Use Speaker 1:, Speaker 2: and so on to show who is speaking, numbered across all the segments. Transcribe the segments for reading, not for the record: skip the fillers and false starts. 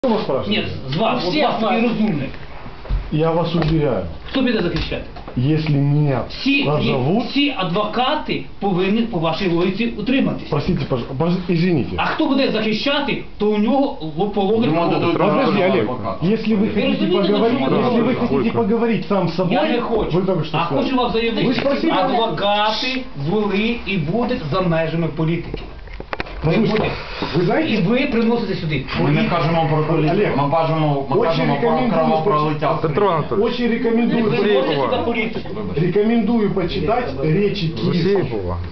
Speaker 1: Нет, з вас, от вас такий розумний.
Speaker 2: Я вас уверяю,
Speaker 1: Хто піде захищати?
Speaker 2: если меня назовут...
Speaker 1: Всі адвокати повинні по вашій логіці утриматися.
Speaker 2: Простите, извините.
Speaker 1: А хто буде захищати, то у нього по логіці...
Speaker 2: Подожди, Олег, если вы хотите поговорить сам с собой...
Speaker 1: Я не хочу.
Speaker 2: Вы только что
Speaker 1: а
Speaker 2: сказали.
Speaker 1: хочу вам заявити, адвокати були і будуть за межами політики.
Speaker 2: Вы знаете...
Speaker 1: І ви приносите сюди.
Speaker 3: Ми не кажемо про політику,
Speaker 2: Олег,
Speaker 3: ми кажемо окремо про лиття.
Speaker 4: Петро Анатольевич,
Speaker 2: Очень рекомендую почитать речи киевских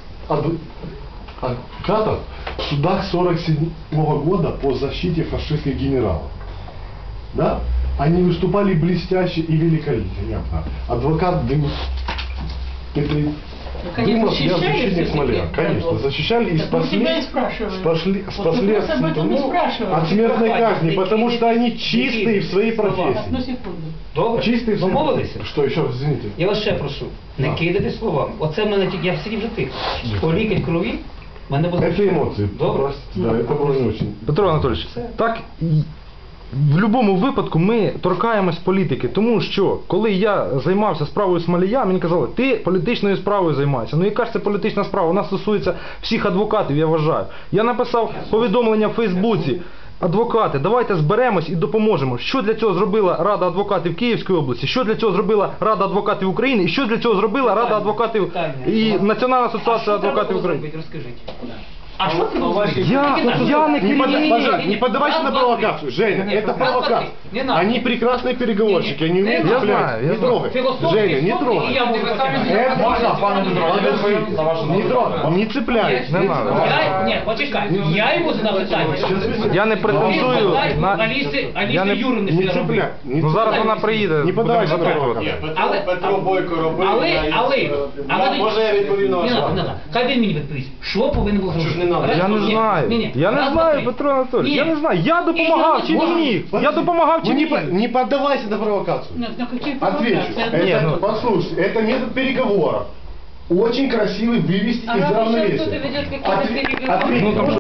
Speaker 2: адвокатов в судах 47-го года по защите фашистских генералов. Да? Они выступали блестяще и великолепно. Адвокат Дымов, я защитник Смоляк, конечно, защищали и спасли от смертной казни, потому что они чистые в своей профессии.
Speaker 1: Добре?
Speaker 2: Чистые в своей
Speaker 1: Домовилися?
Speaker 2: Что еще раз, извините?
Speaker 1: Я вас ще прошу, не кидайте словами. Оце в мене тільки, я сидів вже тихо. По лікоть крові, в мене було...
Speaker 2: Это эмоции.
Speaker 1: Добре?
Speaker 2: Простите, да, это было не очень.
Speaker 4: Петро Анатольевич, так в будь-якому випадку ми торкаємось політики, тому що коли я займався справою Смолія, мені казали, ти політичною справою займайся. Ну яка ж це політична справа? Вона стосується всіх адвокатів, я вважаю. Я написав повідомлення в Фейсбуці. Адвокати, давайте зберемось і допоможемо. Що для цього зробила Рада адвокатів Київської області, що для цього зробила Рада адвокатів України, і що для цього зробила Рада адвокатів і Національна асоціація адвокатів України.
Speaker 1: Розкажіть. А що це робити?
Speaker 4: Я не керівник.
Speaker 2: Не поддавайся на провокацию, Женя, это провокация. Они прекрасные переговорщики, они умеют цеплять. Не трогай. Женя, не трогай.
Speaker 3: Можна, пане Петро, на вашу
Speaker 2: Не трогай, не цепляй.
Speaker 1: Ні, почекай, я йому задав питання.
Speaker 4: Я не претендую на...
Speaker 1: Аліси
Speaker 2: Не
Speaker 1: Юрівни
Speaker 2: цепляй.
Speaker 4: Ну зараз вона приїде.
Speaker 2: Не поддавайся на
Speaker 4: будемо
Speaker 2: провокацию.
Speaker 5: Петро Бойко робив. Може я відповім на ваше питання?
Speaker 1: Хай він мені відповість. Що повинен був зробити?
Speaker 4: Я не знаю. Я не знаю, Петро Анатольевич. Я не знаю. Я допомагав чи не міг? Я допомагав чи не міг?
Speaker 2: Не поддавайся на провокацию. Отвечу. Послушай, это метод переговоров. Очень красивый вывести из равновесия.
Speaker 6: Кто-то ведет какие-то переговоры.